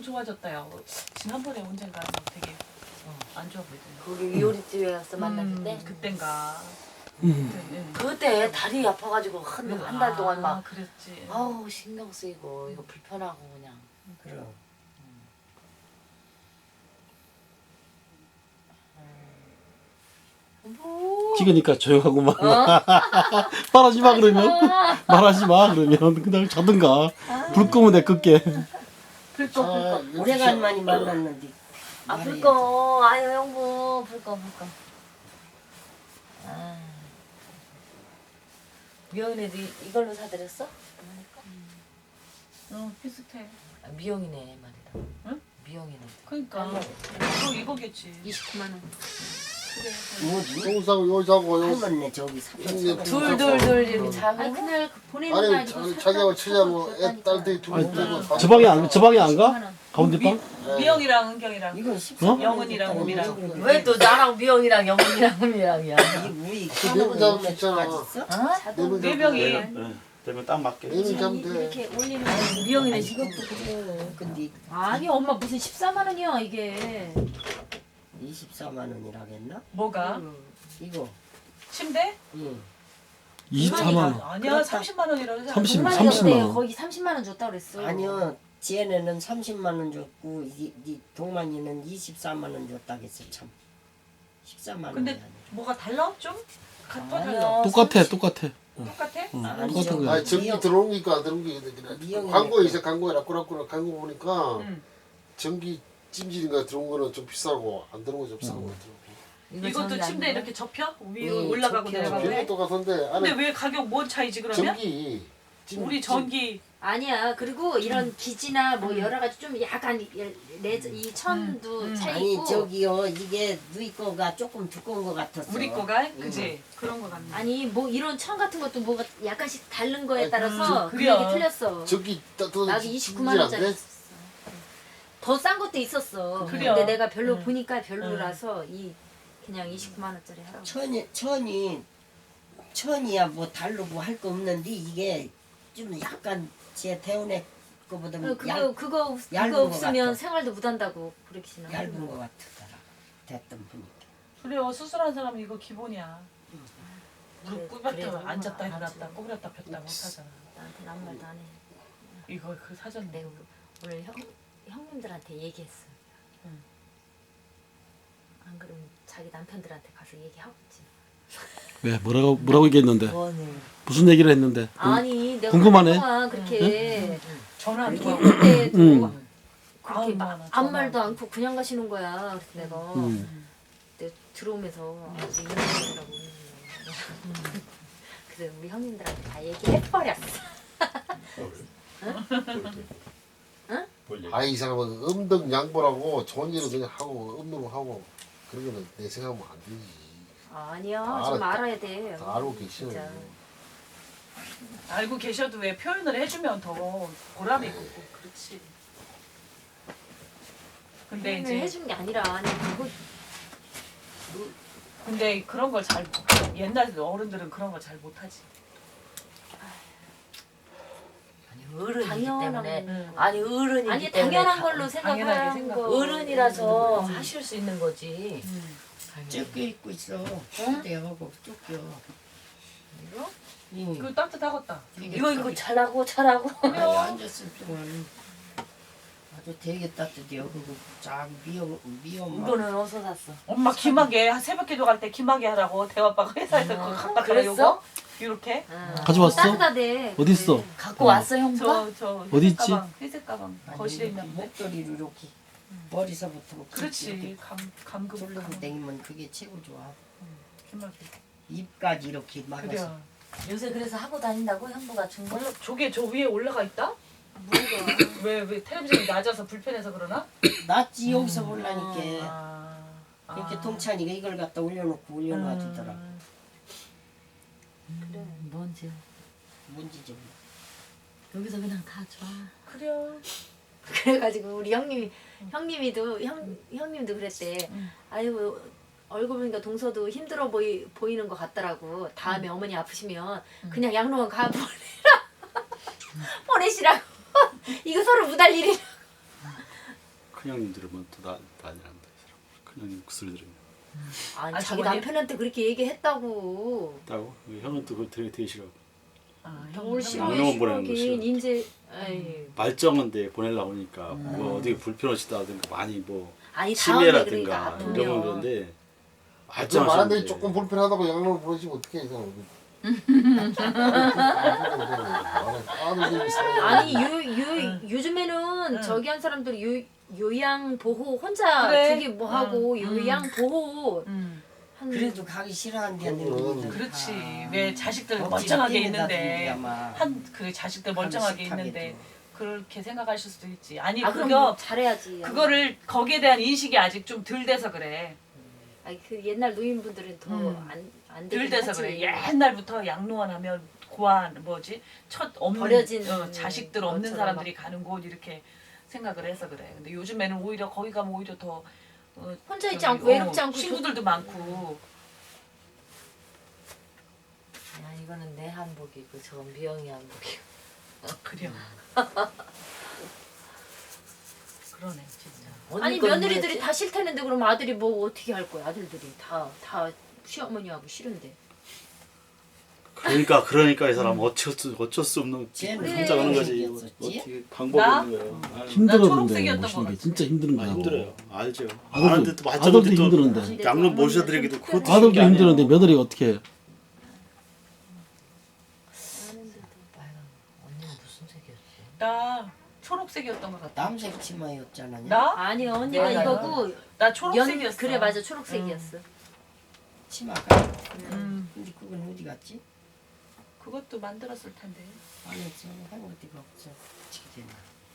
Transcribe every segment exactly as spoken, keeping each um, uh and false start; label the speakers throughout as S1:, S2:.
S1: 좋아졌다요. 지난번에 언젠가 되게 어, 안 좋아 보이던데.
S2: 거기 요리집에 가서 만났을 때
S1: 음, 그땐가.
S3: 음.
S2: 그때 다리 아파가지고 한 한 달 동안 막
S1: 아, 그랬지.
S2: 아우 신경 쓰이고 이거 불편하고 그냥
S3: 그래.
S2: 뭐
S3: 찍으니까 조용하고만.
S2: 어?
S3: 말하지 마 그러면. 말하지 마 그러면 그냥 자든가. 불 끄면 내 끌게.
S1: 불꺼
S4: 아,
S1: 불꺼.
S4: 오래간만에 만났는데.
S2: 아
S4: 말해야지.
S2: 불꺼 아유 형부 불꺼 불꺼 아 미영이네도 이- 이걸로 사드렸어?
S1: 응 비슷해.
S2: 아, 미영이네 말이다
S1: 응?
S2: 미영이네
S1: 그러니까 이거 이거겠지.
S2: 이십구만 원
S1: 그래.
S4: 뭐지?
S5: 여기 사고 여기 사고 여기
S4: 할머니네 저기 삼천
S5: 형님
S2: 둘둘둘 이렇게 작은
S6: 아니
S2: 거?
S6: 그날 그 보내는
S5: 아니
S6: 날
S5: 자-
S6: 이거
S5: 자기하고 처자고 애 딸들이 두고
S3: 아니,
S5: 되고 다
S3: 저 방에 안, 저 방에 안 가? 가운데 방?
S1: 미영이랑 은경이랑.
S4: 이건 십삼
S1: 영은이랑 우미랑.
S2: 왜 또 나랑 미영이랑 영훈이랑 은미랑이야
S4: 이 우리
S5: 내부 잡을 수 있잖아.
S2: 어?
S1: 네 명이.
S3: 네. 되면 딱 맞게.
S5: 내는 잡으면 돼.
S6: 이렇게 올리는 거
S2: 미영이네
S4: 이것도
S2: 지금
S4: 그래. 근데
S6: 아니 엄마 무슨 십사만 원이야 이게
S4: 이십사만 원이라겠나?
S1: 뭐가?
S4: 이거.
S1: 침대?
S4: 응.
S3: 이십사만 원.
S1: 아니야 삼십만 원이라고 하지 않았어?
S3: 삼십,
S6: 얼마나
S3: 삼십만
S6: 줬대요?
S3: 원.
S6: 거기 삼십만 원 줬다 그랬어
S4: 아니요. 지혜네는 삼십만 원 줬고 이, 이 동만이는 이십사만 원 줬다겠어 참. 십사만 원이
S1: 근데
S4: 아니라.
S1: 뭐가 달라? 좀? 같아
S2: 아니요.
S1: 달라?
S3: 똑같아 똑같아.
S1: 똑같아?
S3: 응.
S4: 아니,
S3: 똑같아
S4: 저기-
S3: 그냥.
S5: 아니 전기
S4: 미영-
S5: 들어오니까 안 들어온 게
S4: 미영이
S5: 광고에 있어 광고에 라꾸라꾸라 광고 보니까
S1: 응.
S5: 전기 찜질인가 들어온 거는 좀 비싸고 안 들어온 거 좀 비싼 거 같더라고.
S2: 이거
S1: 이것도
S2: 전기
S1: 침대
S2: 아니야?
S1: 이렇게 접혀? 위에
S4: 응,
S1: 올라가고
S4: 접혀.
S1: 내려가고
S5: 비용이
S1: 해?
S5: 똑같은데
S1: 근데
S5: 안에
S1: 왜 가격 뭔 차이지 그러면?
S5: 전기 찜-
S1: 우리 전기
S6: 아니야 그리고 이런 기지나 뭐 여러 가지 좀 약간 이- 레저, 이 천도
S1: 음, 음.
S6: 차이
S4: 아니
S6: 있고
S4: 저기요 이게 누이 거가 조금 두꺼운 거 같았어.
S1: 우리 거가? 그지? 그런 거 같네.
S6: 아니 뭐 이런 천 같은 것도 뭐가 약간씩 다른 거에 따라서
S1: 음,
S6: 그
S1: 그래요.
S6: 얘기 틀렸어
S5: 전기 따뜻한
S6: 나도 이십구만 원짜리 있었어 더 싼 것도 있었어
S1: 그래요.
S6: 근데 내가 별로
S1: 음.
S6: 보니까 별로라서 이 그냥 이십구만 원짜리 하라고
S4: 천이 천이 천이야 뭐 달로 뭐 할 거 없는데 이게 좀 약간 제 태운의 거보다
S6: 어, 그거
S4: 얇,
S6: 그거
S4: 얇은
S6: 그거
S4: 거
S6: 없으면
S4: 같아.
S6: 생활도 못한다고 브레이크나
S4: 얇은 거 같더라. 됐던 보니까.
S1: 그래요. 수술한 사람은 이거 기본이야. 무릎
S6: 그래,
S1: 꿇었다
S6: 그래,
S1: 앉았다
S6: 알았지.
S1: 일어났다 꼬부렸다 폈다 못하잖아.
S6: 나한테 아무 말도 안 해.
S1: 이거 그 사전
S6: 내가 오늘 형 형님들한테 얘기했어.
S1: 응.
S6: 안 그러면 자기 남편들한테 가서 얘기하고 있지.
S3: 왜 뭐라고 뭐라고 얘기했는데?
S2: 뭐네
S3: 무슨 얘기를 했는데?
S6: 아니 내가
S3: 궁금하네.
S6: 그동안 그렇게
S1: 전화 안
S6: 이렇게
S1: 통하고.
S6: 했는데도
S3: 응.
S6: 그렇게
S1: 아우,
S6: 막
S1: 나
S6: 아무
S1: 전화
S6: 말도
S1: 안
S6: 않고 그냥 가시는 거야. 그래서 내가
S3: 음.
S6: 내가 들어오면서 아주 이혼하라고 그러는 거야. 그래서 우리 형님들한테 다 얘기해버렸어.
S5: 아이 사람은 음덕 양보라고 좋은 일은 그냥 하고 음노로 하고 그런 거는 내 생각하면 안 되지.
S6: 아니야
S5: 다
S6: 좀
S5: 알았다.
S6: 알아야 돼.
S5: 다 알고 계시는
S6: 진짜.
S1: 알고 계셔도 왜 표현을 해주면 더 보람이 있고 그렇지. 근데
S6: 표현을
S1: 이제
S6: 해준 게 아니라 아니 그거
S1: 근데 그런 걸 잘 옛날 어른들은 그런 걸 잘 못하지.
S2: 아니 어른이기
S6: 당연한
S2: 때문에
S1: 응.
S2: 아니 어른이기
S6: 아니
S2: 때문에
S6: 당연한
S2: 다-
S6: 걸로
S1: 당연하게
S6: 생각하는
S1: 생각-
S6: 거.
S2: 어른이라서 하실 수 있는 거지
S1: 음.
S4: 쫓겨 입고 있어. 내하고 쫓겨.
S2: 이거?
S4: 응.
S1: 이거 따뜻하겠다.
S2: 이거 이거 잘하고 잘하고
S4: 아니 앉았을 동안 아주 되게 따뜻해요. 그리고 쫙 미역 미역 맛.
S2: 이거는 어디서 샀어?
S1: 엄마 김하게 새벽 기도 갈 때 김하게 하라고 대화빠가 회사에서 그거 갖다 줘
S2: 그랬어?
S1: 요거 이렇게
S6: 응.
S3: 가져왔어?
S6: 따뜻하대.
S3: 어디 있어?
S2: 갖고 왔어 형부가?
S1: 저 저
S3: 어디
S1: 회색
S3: 있지?
S1: 가방 회색 가방
S4: 아니,
S1: 거실에 있는 데
S4: 목도리를 이렇게 머리서부터
S1: 그렇지 감 감금
S4: 돌리고
S1: 감
S4: 다니면 그게 최고 좋아.
S1: 김하게
S4: 입까지 이렇게 막아서.
S1: 그래.
S2: 요새 그래서 하고 다닌다고 형부가 준 거?
S1: 몰라 저게 저 위에 올라가 있다?
S6: 뭐가?
S1: 왜 왜 텔레비전이 낮아서 불편해서 그러나?
S4: 낫지 여기서 보려니까.
S1: 아,
S4: 이렇게
S1: 아.
S4: 동찬이가 이걸 갖다 올려놓고 올려놔주더라.
S1: 음.
S2: 그래 뭔지
S4: 뭔지 좀.
S2: 여기서 그냥 다 줘.
S1: 그래요.
S6: 그래가지고 우리 형님이 형님이도 형 형님도 그랬대.
S1: 응.
S6: 아유 얼굴 보니까 동서도 힘들어 보이 보이는 것 같더라고. 다음에 어머니 아프시면 그냥 양로원 가 보내라 보내시라고. 이거 서로 무달 일이.
S3: 큰 형님들은 뭐또 난리 난다. 큰 형님 그 소리 들으면.
S6: 아니
S1: 아,
S6: 자기
S1: 저번에?
S6: 남편한테 그렇게 얘기했다고.
S3: 있다고? 형은 또 그거 되게 되게 싫어.
S1: 아,
S6: 뭘
S1: 형,
S6: 싫어해
S3: 양념은 보내는 거
S6: 싫어하긴
S3: 싫어.
S6: 이제 에이.
S3: 말정한데 보내려고 하니까 뭐 어떻게 불편하시다든가 많이 뭐
S6: 아니 다음에 그러니까
S3: 치매라든가
S6: 아프면
S3: 이런 건 그런데
S5: 그 말하는데
S3: 말정하시는데
S5: 조금 불편하다고 양로를 보내시면 어떻게 해?
S6: 아니 요, 요,
S1: 응.
S6: 요즘에는
S1: 응.
S6: 저기 한 사람들이 요, 요양 보호 혼자
S1: 그래.
S6: 저기 뭐 하고
S1: 응.
S6: 요양 보호
S1: 음,
S6: 한
S4: 그래도 가기 싫어한다는
S5: 그거는
S4: 분들
S1: 그렇지.
S4: 다.
S1: 왜 자식들
S4: 억지로
S1: 멀쩡하게
S4: 때린다든지
S1: 있는데
S4: 아마.
S1: 한 그 자식들 멀쩡하게
S4: 싫다게도.
S1: 있는데 그렇게 생각하실 수도 있지. 아니
S6: 아 그럼
S1: 그거
S6: 뭐 잘해야지.
S1: 그거를 거기에 대한 인식이 아직 좀 덜 돼서 그래.
S6: 아니 그 옛날 노인분들은 더
S1: 음.
S6: 안 안
S1: 덜
S6: 되긴
S1: 돼서
S6: 하지.
S1: 그래. 옛날부터 양로원 하면 고아 뭐지 첫 없는
S6: 버려진
S1: 어, 자식들 없는
S6: 것처럼
S1: 사람들이 가는 곳 이렇게 생각을 해서 그래. 근데 요즘에는 오히려 거기 가면 오히려 더 어,
S6: 혼자 있지
S1: 저기,
S6: 않고 외롭지
S1: 어,
S6: 않고
S1: 친구들도 많고.
S2: 야 이거는 내 한복이고 저건 미영이 한복이고.
S1: 그래요. 그러네 진짜.
S2: 언니
S6: 아니
S2: 거는
S6: 며느리들이
S2: 뭐였지?
S6: 다 싫다는데 그럼 아들이 뭐 어떻게 할 거야? 아들들이 다 다 시어머니하고 싫은데.
S3: 그러니까 그러니까 이 사람 어쩔 수 어쩔 수 없는
S4: 쟤는
S3: 혼자 가는 거지.
S4: 생겼었지?
S3: 어떻게 방법이
S1: 나?
S3: 없는 거예요. 아유, 힘들어.
S1: 나
S3: 힘들었는데
S1: 초록색이었던
S3: 모시는
S1: 것
S3: 게
S1: 같아.
S3: 진짜 힘든 아, 거야. 힘들어요. 알죠. 아들도 아는데 또 아들도 맞춰도 또 힘들었는데. 양로 모셔드리기도 그것도
S2: 아들도
S3: 쉬운 게 아니에요.
S2: 힘들었는데 며느리가 어떻게 해? 빨간 언니는 무슨 색이었지?
S1: 나 초록색이었던 것 같아.
S4: 남색 치마였잖아.
S1: 나?
S6: 아니 언니가
S1: 내가
S6: 이거고
S1: 나
S6: 연
S1: 초록색이었어.
S6: 그래 맞아 초록색이었어.
S4: 치마가.
S1: 음,
S4: 근데 그건 어디 갔지?
S1: 그것도 만들었을 텐데.
S4: 아니지 한 어디가 없어. 지금.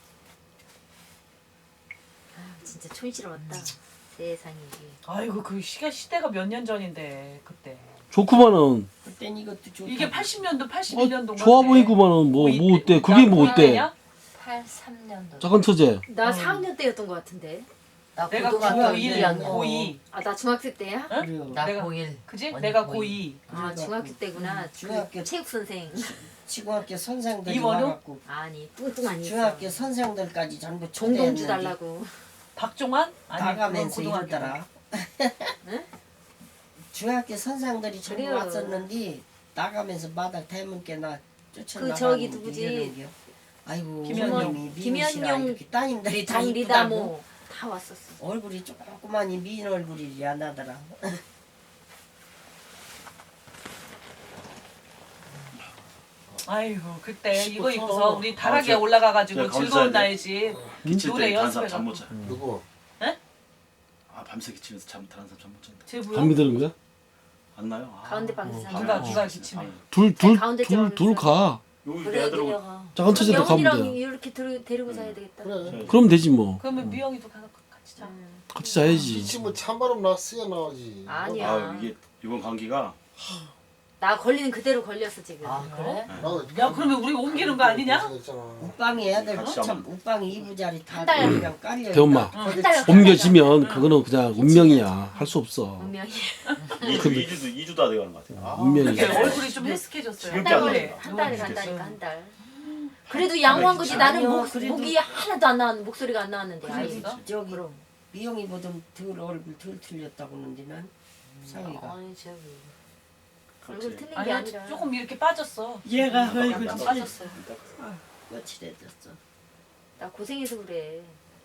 S6: 아 진짜 촌스러웠다. 세상에 이게.
S1: 아이고 그 시가 시대가 몇 년 전인데 그때.
S3: 좋구만은.
S4: 그땐 이것도 좋다.
S1: 이게 팔십 년도 팔십일 년도.
S3: 어, 좋아 보이구만은 뭐 뭐 어때? 그게 뭐 어때?
S2: 팔십삼 년도.
S3: 작은 처제.
S6: 나
S1: 어.
S6: 사 학년 때였던 것 같은데.
S2: 나
S1: 내가
S2: 고등학교
S1: 고일,
S2: 일 학년.
S1: 고이.
S6: 아 나 중학생 때야?
S1: 응?
S4: 그래요.
S2: 나
S1: 내가-
S2: 고일.
S1: 그지?
S2: 언니
S1: 내가
S2: 고이.
S1: 고이.
S6: 아
S4: 그래갖고,
S6: 중학교 때구나.
S4: 음, 중학교-
S6: 그 체육 선생.
S4: 중학교 선생들이
S1: 이원우?
S4: 와갖고
S6: 아니 뚱뚱한 이
S4: 중학교 선생들까지 전부
S6: 종동주
S4: 초대했는데
S6: 달라고.
S1: 박종환? 아니 그건
S4: 나가면서
S1: 고등학교.
S4: 이러더라.
S6: 응?
S4: 중학교 선생들이 전부
S6: 그래요.
S4: 왔었는데 나가면서 마당 대문께나 쫓아나가는
S6: 그 저기 누구지?
S4: 아이고
S1: 김현용.
S4: 어머님이
S6: 김현용,
S4: 미우시라 이렇게 따님들이 다 이쁘다고
S6: 정리다모 다 왔었어.
S4: 얼굴이 조그만이 미인 얼굴이 안 나더라.
S1: 아이고 그때 이거
S3: 씹어서.
S1: 입고서 우리 다락에
S3: 아, 저-
S1: 올라가가지고
S3: 제가 가운데
S1: 즐거운
S3: 사야
S1: 나이지
S3: 기칠
S1: 노래
S3: 때 다른 사람
S1: 연습해갖고.
S3: 잠 못 자.
S5: 누구?
S3: 아 밤새 기치면서 잠 다른 사람 잠 못 잔다.
S1: 제 뭐야?
S3: 감이 드는 거야? 안 나요? 아.
S6: 가운데 방에서
S3: 어,
S6: 자는
S1: 누가
S3: 밤에
S1: 누가
S3: 아,
S1: 기침해?
S3: 밤에.
S6: 가운데 ጨ어놨어.
S3: 둘둘둘둘가 여기
S2: 그래
S3: 애들하고
S2: 내려가.
S3: 작은 처제도 가면
S6: 영훈이랑
S3: 돼.
S6: 이렇게 들, 데리고 자야 되겠다.
S5: 그래.
S3: 그럼 되지 뭐.
S1: 그러면 미영이도 가서 같이 자.
S6: 음.
S3: 같이 자야지.
S5: 기침은 찬바람 나 쓰여 나오지.
S6: 아니야.
S3: 아 이게 이번 감기가
S6: 나 걸리는 그대로 걸렸어 지금.
S2: 아 그래?
S5: 나도
S1: 야 그러면 우리 옮기는 거 아니냐?
S5: 있잖아.
S4: 우빵이 애들
S3: 같이
S4: 참
S3: 한번.
S4: 우빵이 이부자리 다
S6: 한 달.
S4: 그냥 깔려.
S3: 대엄마.
S6: 한 달.
S3: 옮겨지면 그거는 그냥 운명이야. 할 수 없어.
S6: 분명히
S3: 그
S7: 이주 이주도 이주도 안 돼가는 것 같아요.
S3: 아, 운명이야.
S1: 근데 얼굴이 좀 헬스케졌어요.
S6: 한
S7: 지겹게
S6: 달
S7: 안
S6: 걸려.
S7: 돼요.
S6: 한 달에
S1: 누워
S6: 간다니까 한
S1: 있겠어요.
S6: 달. 그래도 양호한 거지. 나는
S4: 아니요,
S6: 목,
S4: 그래도-
S6: 목이 하나도 안 나왔 목소리가 안 나왔는데. 아이.
S1: 그랬어?
S4: 저기 미영이보다 덜 얼굴 덜 틀렸다고 그러는데 난 상이가.
S2: 아니 저기
S6: 얼굴 틀린 게
S1: 아니야
S6: 아니라.
S1: 조금 이렇게 빠졌어.
S4: 얘가 얼굴
S1: 약간 빠졌어요.
S4: 거칠해졌어.
S6: 나 고생해서 그래.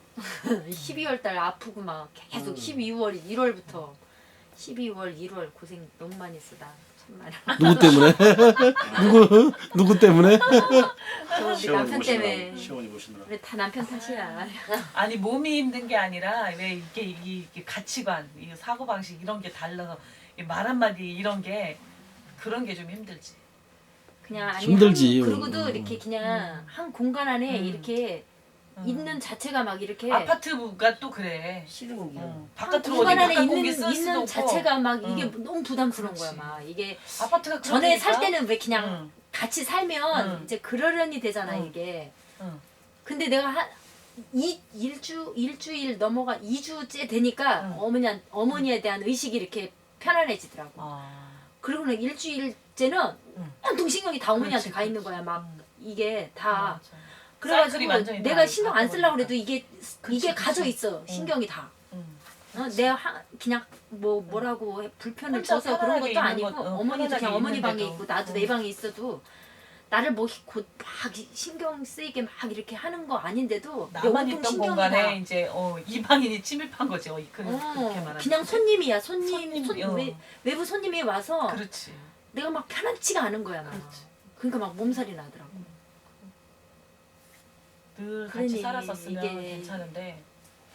S6: 십이월 달 아프고 막 계속
S4: 음.
S6: 십이월 일월부터 십이월 일월 고생 너무 많이 했어 나 참말.
S3: 누구 때문에? 누구 누구 때문에?
S6: 저 우리
S3: 시어머니
S6: 남편 때문에.
S3: 모시느라 시어머니 모시느라.
S6: 그래 다 남편 탓이야.
S1: 아니 몸이 힘든 게 아니라 왜 이게 이게, 이게 가치관, 이 사고 방식 이런 게 달라서 이 말 한마디 이런 게 그런 게 좀 힘들지.
S6: 그냥 아니
S3: 힘들지.
S6: 한, 그러고도
S3: 음.
S6: 이렇게 그냥 한 공간 안에
S1: 음.
S6: 이렇게
S1: 음.
S6: 있는 자체가 막 이렇게
S1: 아파트가 또 그래.
S4: 싫은 게.
S1: 어.
S6: 한
S1: 바깥으로 어디
S6: 공간 안에
S1: 바깥 공기
S6: 있는
S1: 쓸 수도
S6: 있는
S1: 없고.
S6: 자체가 막 이게
S1: 음.
S6: 너무 부담스러운
S1: 그렇지.
S6: 거야 막 이게
S1: 아파트가
S6: 전에 살
S1: 그러니까.
S6: 때는 왜 그냥
S1: 응.
S6: 같이 살면
S1: 응.
S6: 이제 그러려니 되잖아
S1: 응.
S6: 이게.
S1: 응.
S6: 근데 내가 한 이 일주 일주일 넘어가 이 주째 되니까
S1: 응.
S6: 어머니 어머니에 대한 의식이 이렇게 편안해지더라고.
S1: 아.
S6: 그리고는 일주일째는
S1: 응.
S6: 온통 신경이 다 어머니한테
S1: 그렇지,
S6: 가 있는 거야. 막 이게 다
S1: 맞아. 사이클이
S2: 그래가지고
S1: 완전히
S2: 내가
S1: 다
S2: 신경 안 쓰려고
S1: 바꿔버리니까.
S2: 그래도 이게
S1: 그치,
S2: 이게
S1: 그치.
S2: 가져 있어 신경이 다.
S1: 음.
S2: 어, 내가 하, 그냥 뭐 뭐라고 해, 불편을
S1: 혼자
S2: 줘서 그런
S1: 편안하게
S2: 것도
S1: 있는
S2: 아니고
S1: 것, 어,
S2: 어머니도
S1: 편안하게
S2: 그냥 어머니 방에
S1: 있는데도.
S2: 있고 나도
S1: 어.
S2: 내 방에 있어도 나를 뭐 곧 막 신경 쓰이게 막 이렇게 하는 거 아닌데도 내
S1: 나만
S2: 온통
S1: 있던
S2: 신경이
S1: 공간에
S2: 다.
S1: 이제 어, 이방인이 침입한 거지. 어, 그, 그렇게
S2: 어,
S1: 말하면.
S2: 그냥 손님이야 손님,
S1: 손님,
S2: 손,
S1: 어.
S2: 외, 외부 손님이 와서
S1: 그렇지.
S2: 내가 막 편안치가 않은 거야 막.
S1: 그렇지.
S2: 그러니까 막 몸살이 나더라고.
S1: 늘 같이
S2: 그러니
S1: 살았었으면
S2: 이게-
S1: 괜찮은데.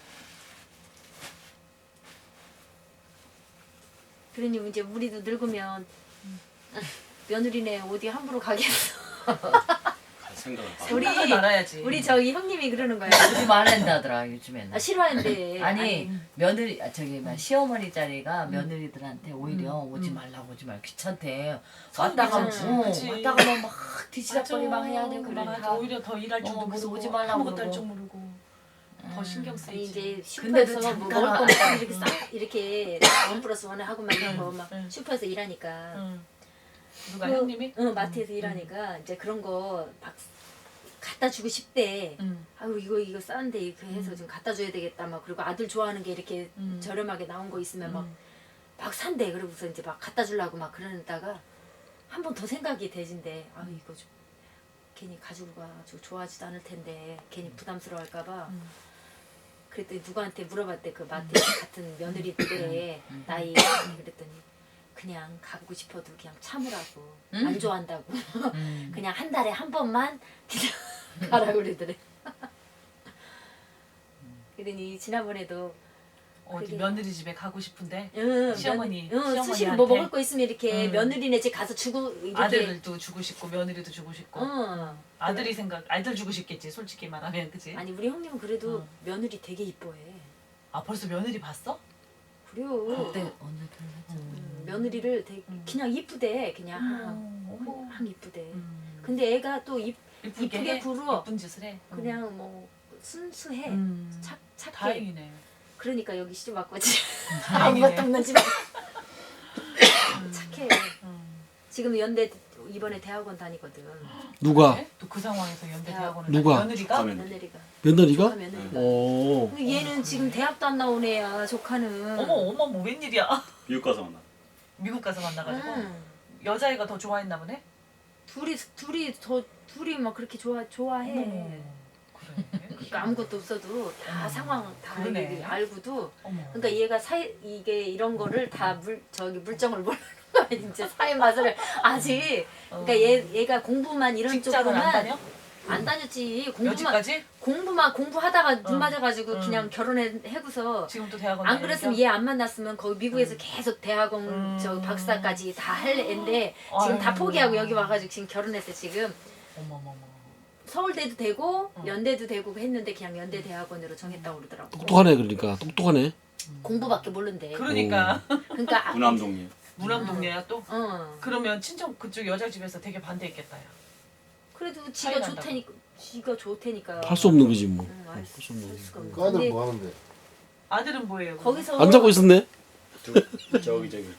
S2: 그러니 이제 우리도 늙으면 며느리네 어디 함부로 가겠어.
S7: 갈 생각을 안
S2: 우리-
S1: 생각을 말아야지.
S2: 우리 저기 형님이 그러는 거야.
S8: 오지 말란다 하더라 요즘에는.
S2: 아 싫어하는데.
S8: 아니 며느리 아, 저기 막 시어머니 자리가 며느리들한테 오히려 오지 말라고 오지 말 귀찮대. 왔다가
S1: 그치,
S8: 어,
S1: 그치.
S8: 왔다가 뭐 막 뒤치다거리 막 해야 되고
S1: 그래,
S8: 막
S1: 맞아.
S8: 다.
S1: 오히려 더 일할 줄도
S8: 어, 그래서
S1: 모르고
S8: 오지 말라고
S1: 아무것도 할
S8: 그러고.
S1: 줄 모르고 더 신경
S2: 아니,
S1: 쓰이지.
S2: 이제
S8: 근데도
S2: 슈퍼에서 뭐
S8: 잠깐
S2: 먹을 거
S8: 와-
S2: 막 이렇게 싹 이렇게 원 플러스 원에 하고 막 이런 거막
S1: 응.
S2: 슈퍼에서 일하니까.
S1: 응. 누가
S2: 그-
S1: 형님이?
S2: 응 마트에서 일하니까 이제 그런 거 막 갖다 주고 싶대.
S1: 응.
S2: 아유 이거 이거 싼데 이렇게 해서 좀 갖다 줘야 되겠다 막 그리고 아들 좋아하는 게 이렇게
S1: 음.
S2: 저렴하게 나온 거 있으면 막
S1: 음.
S2: 막 산대. 그러고서 이제 막 갖다 주려고 막 그러다가 한 번 더 생각이 되진대. 아 이거 좀 괜히 가지고 가지고 좋아하지도 않을 텐데 괜히 부담스러워할까 봐.
S1: 음.
S2: 그랬더니 누구한테 물어봤대. 그 마트 같은 며느리들의 나이 그랬더니 그냥 가고 싶어도 그냥 참으라고. 안 좋아한다고.
S8: 음.
S2: 그냥 한 달에 한 번만 그냥 가라고 그러더래. 그러니 지난번에도
S1: 어디
S2: 그게-
S1: 며느리 집에 가고 싶은데
S2: 응,
S1: 시어머니,
S2: 응,
S1: 시어머니한테.
S2: 수시로 뭐 먹을 거 있으면 이렇게
S1: 음.
S2: 며느리네 집 가서 주고 이렇게
S1: 아들도 주고 싶고 며느리도 주고 싶고
S2: 응.
S1: 아들이 생각 아들 주고 싶겠지 솔직히 말하면 그지?
S2: 아니 우리 형님은 그래도
S1: 응.
S2: 며느리 되게 이뻐해.
S1: 아 벌써 며느리 봤어?
S2: 그래요.
S8: 그때 언제 결혼했지?
S2: 음, 며느리를 되게
S1: 음.
S2: 그냥 이쁘대. 그냥
S1: 음, 어머.
S2: 항 이쁘대.
S1: 음.
S2: 근데 애가 또 이,
S1: 이쁘게
S2: 이쁘게
S1: 해?
S2: 굴어.
S1: 이쁜 짓을 해. 음.
S2: 그냥 뭐 순수해.
S1: 음.
S2: 착 착해.
S1: 다행이네.
S2: 그러니까 여기 시집 왔거지.
S1: 다행이네.
S2: 아무것도 없는 집에 착해.
S1: 음.
S2: 지금 연대 이번에 대학원 다니거든.
S3: 누가?
S1: 네? 또그 상황에서 연대
S2: 야.
S1: 대학원을
S3: 누가?
S1: 며느리가?
S7: 가면
S2: 며느리가.
S3: 며느리가?
S2: 조카 며느리가.
S3: 오.
S2: 근데 얘는 지금 대학도 안 나온 애야. 조카는.
S1: 어머 어머 뭐 웬일이야?
S7: 미국 가서 만나.
S1: 미국 가서 만나가지고
S2: 응.
S1: 여자애가 더 좋아했나 보네.
S2: 둘이 둘이 더 둘이 막 그렇게 좋아 좋아해.
S1: 어머. 그래.
S2: 그러니까 아무것도 없어도 다
S1: 어머.
S2: 상황 다
S1: 그러네.
S2: 이게 알고도.
S1: 어머.
S2: 그러니까 얘가 사회 이게 이런 거를 다 물 저기 물정을 모르는 거야. 이제 사회 맛을 아직. 그러니까 얘 얘가 공부만 이런
S1: 직장을
S2: 쪽으로만
S1: 안 다녀?
S2: 안 다녔지. 공부만
S1: 여지까지?
S2: 공부만 공부하다가 눈
S1: 응.
S2: 맞아가지고
S1: 응.
S2: 그냥 결혼해고서
S1: 지금 또 대학원
S2: 안 그랬으면
S1: 다니니까?
S2: 얘 안 만났으면 거기 미국에서 계속 대학원
S1: 음.
S2: 저 박사까지 다 할 애인데 지금 다
S1: 아유.
S2: 포기하고 여기 와가지고 지금 결혼했어 지금.
S1: 어머머머.
S2: 서울대도 되고
S1: 응.
S2: 연대도 되고 했는데 그냥 연대 대학원으로 정했다고 그러더라고.
S3: 똑똑하네 그러니까 똑똑하네.
S2: 공부밖에 모른대.
S1: 그러니까
S2: 그러니까 아,
S7: 무남동님.
S1: 무남동네야 또?
S2: 어.
S1: 그러면 친정 그쪽 여자 집에서 되게 반대했겠다 야.
S2: 그래도
S1: 차이
S2: 지가
S1: 난다고.
S2: 좋다니까 지가 좋다니까.
S3: 할 수 없는 거지 뭐.
S2: 응, 알
S3: 할
S2: 수,
S3: 수 없는
S2: 할
S3: 거지.
S2: 수가 없는
S5: 그 아들
S2: 근데
S5: 뭐 하는데?
S1: 아들은 뭐예요?
S2: 거기서
S3: 안 자고 있었네.
S7: 저- 저기 저기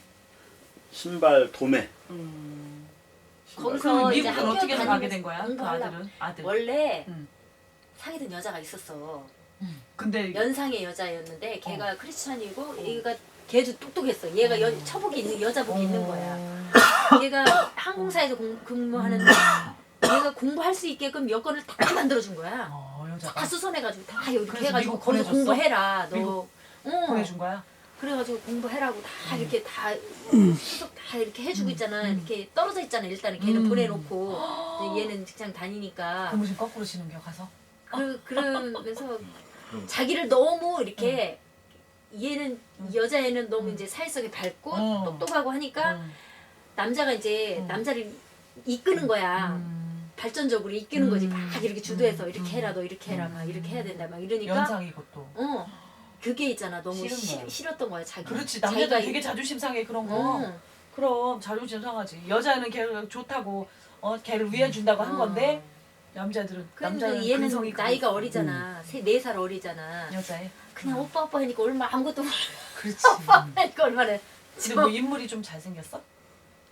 S7: 신발 도매.
S1: 음.
S2: 거기서
S1: 그럼
S2: 이제
S1: 미국은
S2: 학교
S1: 어떻게 해서 가게 된
S2: 다니면서
S1: 거야? 그
S2: 공부하려고.
S1: 아들은? 아들.
S2: 원래
S1: 응.
S2: 사귀던 여자가 있었어.
S1: 근데
S2: 연상의 여자였는데 걔가
S1: 어.
S2: 크리스찬이고 얘가 걔도 똑똑했어. 얘가 여, 처복이 있는 여자복이 있는 거야.
S1: 어.
S2: 얘가 항공사에서 공, 근무하는데 얘가 공부할 수 있게끔 여건을 다 만들어준 거야.
S1: 어, 여자가
S2: 다 수선해가지고 다 이렇게
S1: 그래서
S2: 해가지고
S1: 미국
S2: 거기서
S1: 보내줬어?
S2: 공부해라. 너.
S1: 미국
S2: 어.
S1: 보내준 거야?
S2: 그래가지고 공부해라고 다 이렇게 다 수속 다 이렇게 해주고 있잖아. 이렇게 떨어져 있잖아. 일단은 걔는
S1: 음.
S2: 보내놓고 이제 얘는 직장 다니니까.
S1: 고무신 거꾸로 치는 겨 가서?
S2: 그 그러면서 자기를 너무 이렇게 얘는 여자애는 너무 이제 사회성이 밝고
S1: 음.
S2: 똑똑하고 하니까
S1: 응.
S2: 남자가 이제
S1: 음.
S2: 남자를 이끄는 거야.
S1: 음.
S2: 발전적으로 이끄는 거지.
S1: 음.
S2: 막 이렇게 주도해서
S1: 음.
S2: 이렇게 해라 너 이렇게 해라 막 이렇게 해야 된다 막 이러니까
S1: 연상이고 또.
S2: 어 그게 있잖아. 너무
S1: 싫은
S2: 시,
S1: 거야.
S2: 싫었던 거야 자기.
S1: 그렇지
S2: 자기가
S1: 남자들
S2: 이-
S1: 되게 자존심 상해 그런 거.
S2: 응.
S1: 그럼 자존심 상하지. 여자는 걔를 좋다고 어 걔를 위해 준다고 한
S2: 어.
S1: 건데 남자들은
S2: 근데
S1: 남자는
S2: 얘는
S1: 근성이
S2: 나이가
S1: 그랬어.
S2: 어리잖아. 세 네 살 어리잖아.
S1: 여자애.
S2: 그냥 오빠 오빠 하니까 얼마 아무것도 모르고
S1: 그렇지.
S2: 오빠 하니까 얼마나
S1: 근데 뭐 인물이 좀 잘생겼어?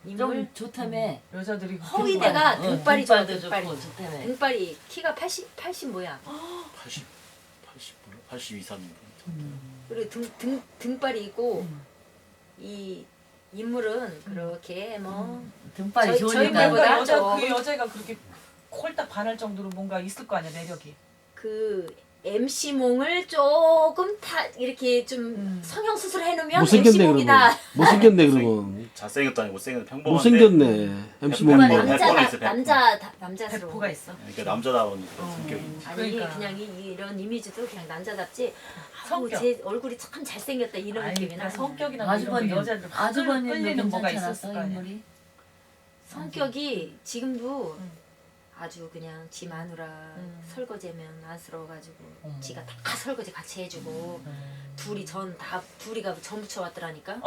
S2: 인물
S8: 좀 좋다며.
S1: 여자들이
S2: 허위대가
S8: 어,
S2: 등발이 좋아
S8: 등발도
S2: 등발이
S8: 좋고 좋다며.
S2: 등발이 키가 팔십 팔십 뭐야
S7: 팔십, 팔십, 몰라? 팔십이, 삼인가?
S2: 그리고 등, 등, 등발이 있고 이 인물은 그렇게 뭐
S8: 등발이
S2: 저희-
S8: 좋으니까.
S2: 저희들보다
S1: 뭔가 여자
S2: 좀-
S1: 그 여자가 그렇게 홀딱 반할 정도로 뭔가 있을 거 아니야 매력이.
S2: 그 엠씨몽을 조금 다 이렇게 좀
S1: 음.
S2: 성형 수술 해놓으면
S3: 못생겼네
S2: 엠씨몽이다.
S3: 그러면. 못생겼네 그러면.
S7: 잘생겼도 아니고 못생겼는데 평범한데.
S3: 못생겼네. 엠씨
S7: 뭐,
S3: 몸
S7: 뭐,
S3: 뭐.
S7: 뭐.
S2: 남자
S7: 백퍼가 있어, 백퍼.
S2: 남자 다- 남자스러워.
S1: 배포가 있어.
S7: 그러니까 남자다운 그런
S1: 어.
S7: 성격이.
S2: 아니
S1: 그러니까.
S2: 그냥 이, 이런 이미지도 그냥 남자답지. 아우
S1: 성격.
S2: 제 얼굴이 참 잘생겼다 이런
S1: 아니,
S2: 느낌이
S1: 그러니까
S2: 나.
S1: 성격이나 뭐 이런
S8: 아주버님,
S1: 게 여자들
S8: 아주버님도
S1: 끌리는 뭐가
S8: 괜찮지
S1: 있었을
S8: 않았어
S1: 거 아니야.
S8: 인물이?
S2: 성격이 지금도
S1: 음.
S2: 아주 그냥 지 마누라
S1: 음.
S2: 설거지하면 안쓰러워가지고
S8: 음.
S2: 지가 다 설거지 같이 해주고 둘이 전 다 둘이가 전 부쳐왔더라니까.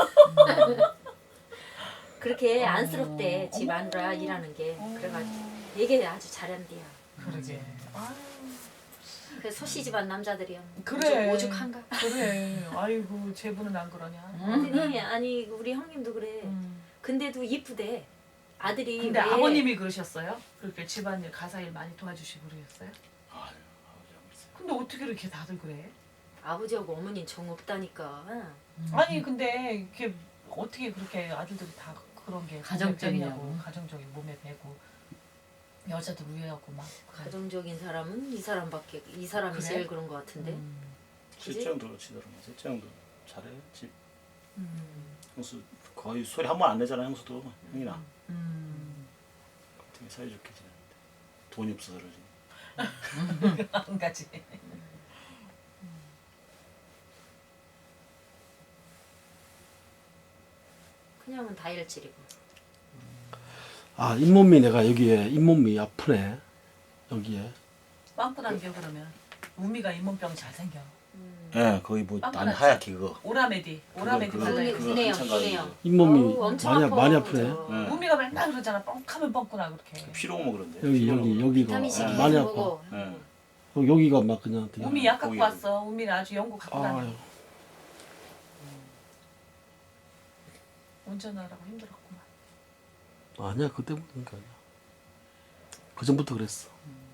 S2: 그렇게 안쓰럽대 지 마누라 일하는 게. 그래가지고 얘기 아주 잘한대요.
S1: 그러게. 아,
S2: 그 소씨 집안 남자들이야.
S1: 그래.
S2: 오죽, 오죽한가?
S1: 그래. 아이고 제부는 안 그러냐.
S2: 아니, 아니 우리 형님도 그래.
S1: 음.
S2: 근데도 이쁘대. 아들이
S1: 근데
S2: 왜
S1: 아버님이 그러셨어요? 그렇게 집안일 가사일 많이 도와주시고 그러셨어요?
S7: 아유, 아버지 안 그랬어요.
S1: 근데 어떻게 이렇게 다들 그래?
S2: 아버지하고 어머니는 정 없다니까.
S1: 아니 근데 이렇게 어떻게 그렇게 아들들이 다 그런 게
S8: 가정적이냐고.
S1: 몸에 배냐고. 가정적인 몸에 배고 여자들 위하고 막
S2: 가정적인 사람은 이 사람밖에 이 사람이
S1: 그래?
S2: 제일 그런 것 같은데.
S1: 음.
S2: 그지?
S7: 실제 형도 그렇지더라고. 실제 형도 잘해. 집
S1: 음.
S7: 형수 거의 소리 한 번 안 내잖아 형수도. 형이나.
S1: 음.
S7: 되게 사이좋게 지내는데 돈이 없어서 그러지.
S1: 한 가지.
S2: 그냥은 다혈질이고.
S3: 아 잇몸이 내가 여기에 잇몸이 아프네. 여기에.
S1: 빵꾸난 게 그러면 우미가 잇몸병 잘 생겨.
S7: 예, 거의 뭐 난
S1: 빵꾸났지?
S7: 하얗게 그거.
S1: 오라메디, 오라메디
S7: 그거,
S1: 발라야
S7: 그거
S1: 돼.
S2: 분해요,
S7: 한참
S2: 분해요.
S7: 가지고.
S3: 잇몸이
S2: 어우, 엄청
S3: 많이
S2: 아파,
S3: 많이 아프네.
S2: 저.
S7: 네.
S1: 우미가 맨날 그러잖아. 뻥하면 뻥꾸나 그렇게.
S7: 피로 오면 그런데.
S3: 여기
S7: 피로
S3: 여기
S7: 오면
S3: 여기가
S2: 비타민 C
S3: 아,
S2: 계속
S3: 많이 아파.
S2: 먹어.
S7: 예.
S3: 어, 여기가 막 그냥 되게.
S1: 우미 약 갖고
S7: 거기.
S1: 왔어. 우미는 아주 연구 갖고 다녀.
S3: 아유.
S1: 운전하라고 힘들었구만.
S3: 아니야 그때부터니까 아니야. 그 전부터 그랬어.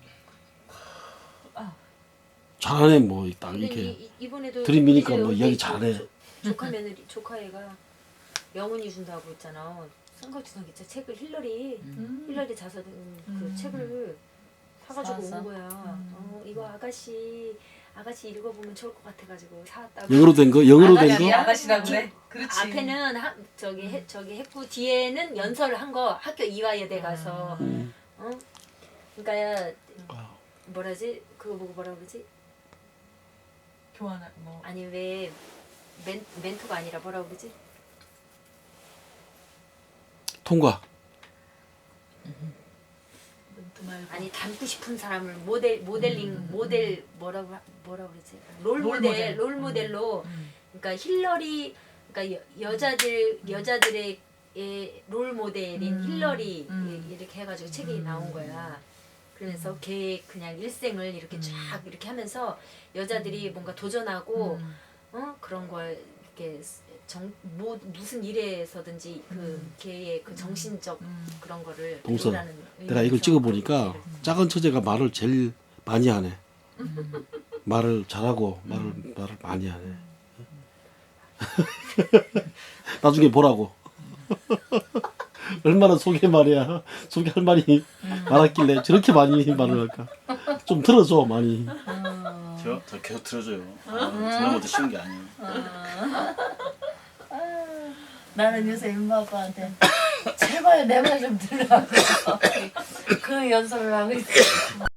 S1: 아.
S3: 잘하네 뭐 딱
S2: 근데
S3: 이렇게
S2: 이, 이번에도
S3: 들이미니까
S2: 이제
S3: 뭐
S2: 여기
S3: 이야기
S2: 조-
S3: 잘해.
S2: 조- 조카 며느리 조카애가 명언이 준다고 있잖아. 선거주상 기차 책을 힐러리
S1: 음.
S2: 힐러리 자서 음, 그
S1: 음.
S2: 책을 사가지고
S8: 사왔어?
S2: 온 거야.
S1: 음.
S2: 어 이거 아가씨 아가씨 읽어보면 좋을 것 같아가지고 사왔다고.
S3: 영어로 된 거? 영어로 된
S1: 아가씨,
S3: 거?
S1: 아가씨라고 그래. 그렇지.
S2: 앞에는 하, 저기 해, 저기 했고 뒤에는 연설을 한 거 학교 이화여대 가서
S3: 음.
S2: 어 그러니까
S3: 아,
S2: 뭐라지 그거 보고 뭐라 그러지
S1: 교환 뭐
S2: 아니 왜 멘, 멘토가 아니라 뭐라 그러지
S3: 통과.
S1: 멘트 말고.
S2: 아니 닮고 싶은 사람을 모델 모델링 모델 뭐라고 하- 뭐라 그러지 롤
S1: 롤
S2: 모델
S1: 모델.
S2: 롤 모델로
S1: 음.
S2: 그러니까 힐러리 그러니까 여, 여자들 여자들의 의 롤 모델인
S1: 음.
S2: 힐러리
S1: 음.
S2: 이렇게 해가지고 책이 나온 거야. 그러면서 걔 그냥 일생을 이렇게 쫙 이렇게 하면서 여자들이 뭔가 도전하고
S1: 음.
S2: 어 그런 걸 이렇게 정 뭐 무슨 일에서든지 그 걔의 그 정신적
S1: 음.
S2: 그런 거를
S3: 동서,
S2: 배우라는
S3: 내가 이걸
S2: 의미에서
S3: 찍어 보니까 작은 처제가 말을 제일 많이 하네. 말을 잘하고 말을 말을 많이 하네. 나중에 보라고. 얼마나 속에 말이야. 속에 할 말이 많았길래 저렇게 많이 말을 할까. 좀 들어줘 많이.
S7: 저, 저 계속 들어줘요. 아, 듣는 것도 쉬운 게 아니에요.
S8: 나는 요새 임마 아빠한테 제발 내 말 좀 들으라고 그 연설을 하고 있어.